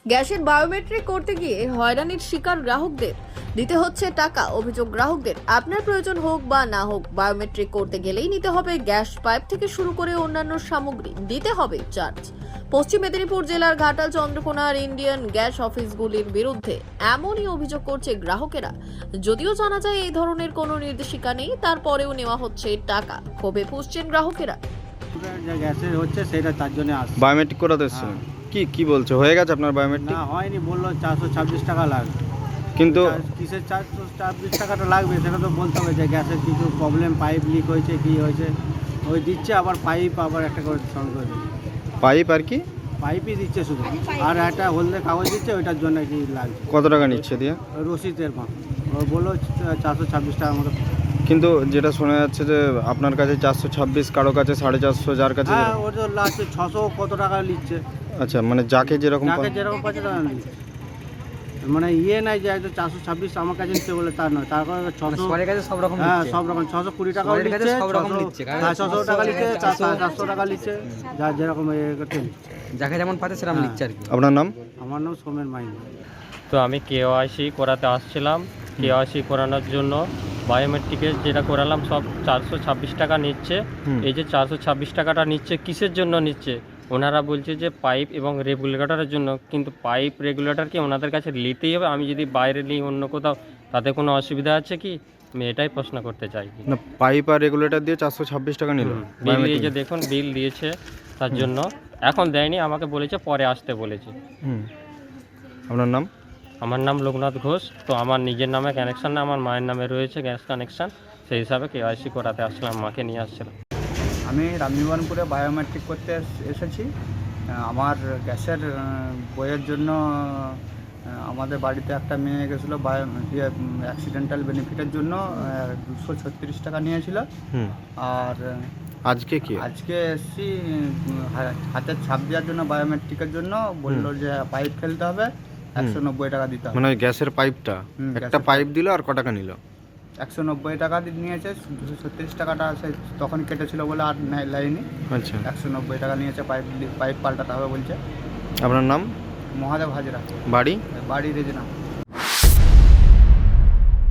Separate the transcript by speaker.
Speaker 1: গ্যাসের বায়োমেট্রিক করতে গিয়ে হয়রানির শিকার গ্রাহকদের, দিতে হচ্ছে টাকা। অভিযোগ গ্রাহকদের, আপনার প্রয়োজন হোক বা না হোক, বায়োমেট্রিক করতে গেলেই নিতে হবে গ্যাস পাইপ থেকে শুরু করে অন্যান্য সামগ্রী, দিতে হবে চার্জ। পশ্চিম মেদিনীপুর জেলার ঘাটাল, চন্দ্রকোনার ইন্ডিয়ান গ্যাস অফিসগুলির বিরুদ্ধে এমনই অভিযোগ করছে গ্রাহকেরা। যদিও জানা যায় এই ধরনের কোনো নির্দেশিকা নেই, তারপরেও নেওয়া হচ্ছে টাকা। ক্ষোভে ফুঁসছেন গ্রাহকেরা।
Speaker 2: যে গ্যাসের হচ্ছে সেটা তার জন্য আসছে।
Speaker 3: বায়োমেট্রিক করাতে এসেছিলেন? কি বলছে, হয়ে গেছে আপনার বায়োমেট্রিক?
Speaker 2: না হয়নি, বললো 426 টাকা লাগবে।
Speaker 3: কিন্তু
Speaker 2: কিসের 426 টাকাটা লাগবে সেটা তো বলতে হবে যে গ্যাসের কিছু প্রবলেম, পাইপ লিক হয়েছে, কি হয়েছে। ওই দিচ্ছে, আবার পাইপ আবার একটা করে সঙ্গে করে দিচ্ছে।
Speaker 3: পাইপ আর কি?
Speaker 2: পাইপই দিচ্ছে শুধু, আর একটা হলদে কাগজ দিচ্ছে, ওইটার জন্য কি লাগছে।
Speaker 3: কত টাকা নিচ্ছে দিয়ে?
Speaker 2: রসিদের মা ও বললো 426 টাকার মতো।
Speaker 3: কিন্তু যেটা শোনা যাচ্ছে যে আপনার কাছে 426, কারো কাছে 450, যার কাছে
Speaker 2: হ্যাঁ, ওর তো লাস্টে 600 কত টাকা নিচ্ছে।
Speaker 3: আচ্ছা, মানে যাকে যেরকম
Speaker 2: যাকে যেরকম পাচ্ছে টাকা নিচ্ছে, মানে নাই যে একদম 426 আমার কাছে নিচ্ছে বলে তা নয়। তারপর 600
Speaker 4: সবার কাছে সব রকম
Speaker 2: হ্যাঁ,
Speaker 4: নিচ্ছে।
Speaker 2: সব রকম 620 টাকাও
Speaker 4: সবার কাছে
Speaker 2: নিচ্ছে,
Speaker 4: সব রকম নিচ্ছে, কারণ
Speaker 2: 600 টাকা নিচ্ছে, 400 টাকা নিচ্ছে, যার যেরকম এ করতে নিচ্ছে।
Speaker 4: যাকে যেমন পাচ্ছে সেরকম
Speaker 2: হ্যাঁ।
Speaker 4: নিচ্ছে আর কি।
Speaker 3: আপনার নাম?
Speaker 2: আমার নাম সোমেন মাইন।
Speaker 5: তো আমি কেওআইসি করাতে আসছিলাম। কেওআইসি করানোর জন্য বায়োমেট্রিকের যেটা করালাম সব 426 টাকা নিচ্ছে। এই যে 426 টাকাটা নিচ্ছে কিসের জন্য নিচ্ছে? ওনারা বলছে যে পাইপ এবং রেগুলেটরের জন্য, কিন্তু পাইপ রেগুলেটর কি ওনাদের কাছে নিতেই হবে? আমি যদি বাইরে নিই অন্য কোথাও, তাতে কোনো অসুবিধা আছে কি? আমি এটাই প্রশ্ন করতে চাই।
Speaker 3: না, পাইপ আর রেগুলেটর দিয়ে 426 টাকা নিল।
Speaker 5: বিল দিয়েছে, দেখুন বিল দিয়েছে, তার জন্য এখন দেয়নি, আমাকে বলেছে পরে আসতে বলেছে।
Speaker 3: আপনার নাম?
Speaker 5: আমার নাম লোকনাথ ঘোষ। তো আমার নিজের নামে কানেকশান না, আমার মায়ের নামে রয়েছে গ্যাস কানেকশান, সেই হিসাবে কেওআইসি করাতে আসছিলাম, মাকে নিয়ে আসছিলাম।
Speaker 6: আমি রামজীবনপুরে বায়োমেট্রিক করতে এসেছি। আমার গ্যাসের বইয়ের জন্য আমাদের বাড়িতে একটা মেয়ে গেছিলো অ্যাক্সিডেন্টাল বেনিফিটের জন্য 236 টাকা নিয়েছিল। আর
Speaker 3: আজকে কি?
Speaker 6: আজকে এসছি হাতের ছাপ দেওয়ার জন্য, বায়োমেট্রিকের জন্য বললো যে পাইপ ফেলতে হবে, 190 টাকা দিতে হবে।
Speaker 3: মানে গ্যাসের পাইপটা একটা পাইপ দিল, আর ক টাকা নিল?
Speaker 6: 190 টাকা নিয়েছে। 236 টাকাটা সে তখন কেটেছিল বলে আর লাইনি।
Speaker 3: আচ্ছা,
Speaker 6: 190 টাকা নিয়েছে। পাইপ পাল্টাতে হবে বলছে।
Speaker 3: আপনার নাম?
Speaker 6: মহাদেব হাজরা,
Speaker 3: বাড়ি?
Speaker 6: বাড়ি রেজনা।